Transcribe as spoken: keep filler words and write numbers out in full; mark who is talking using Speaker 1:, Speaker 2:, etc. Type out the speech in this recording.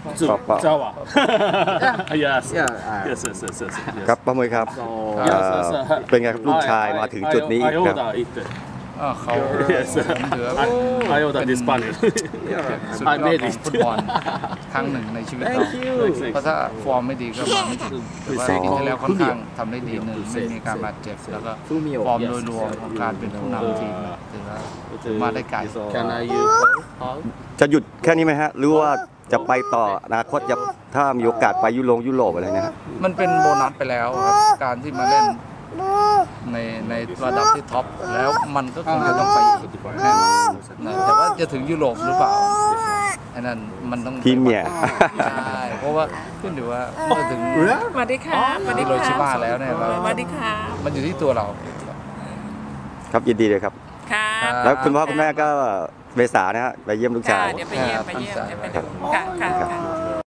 Speaker 1: Java. Java. Yes. Yes. Yes. Yes. Yes.
Speaker 2: ครับป้ามุ้ยครับเป็นไงครับลูกชายมาถึงจุดนี้ครับ
Speaker 3: เขาถือว่า
Speaker 1: I ordered this panel.
Speaker 3: สุดยอดของฟุตบอลครั้งหนึ่งในชีวิตเราเพราะถ้าฟอร์มไม่ดีก็มาไม่ถึงแต่ว่าปีที่แล้วค่อนข้างทำได้ดีหนึ่งไม่มีการบาดเจ็บแล้วก็ฟอร์มโดยรวมของการเป็นผู้นำทีมถือว่ามาได้ไกล
Speaker 2: จะหยุดแค่นี้ไหมฮะหรือว่าจะไปต่ออนาคตจะถ้ามีโอกาสไปยุโรปยุโรปอะไรนะฮะ
Speaker 3: มันเป็นโบนัสไปแล้วครับการที่มาเล่นในในระดับที่ท็อปแล้วมันก็คงจะต้องไปอีกแน่นอนนะแต่ว่าจะถึงยุโรปหรือเปล่าอันนั้นมันต้อง
Speaker 2: ทีมเนี่ย
Speaker 3: ใช่เพราะว่าขึ้นอยู่ว่าจะถึง
Speaker 4: สวัสดีค่ะสวัสดี
Speaker 3: โร
Speaker 4: ค่ะ
Speaker 3: ชิมาแล้วเนี่ยเรา
Speaker 4: สวัสดีค่ะ
Speaker 3: มันอยู่ที่ตัวเรา
Speaker 2: ครับยินดีเลยครับ
Speaker 4: ค่ะ
Speaker 2: แล้วคุณพ่อคุณแม่ก็เมษานะฮะไปเยี่ยมลูกชาย
Speaker 4: เดี๋ยวไปเยี่ยมไปเยี่ยมเดี๋ยวไปดูค่ะค่ะ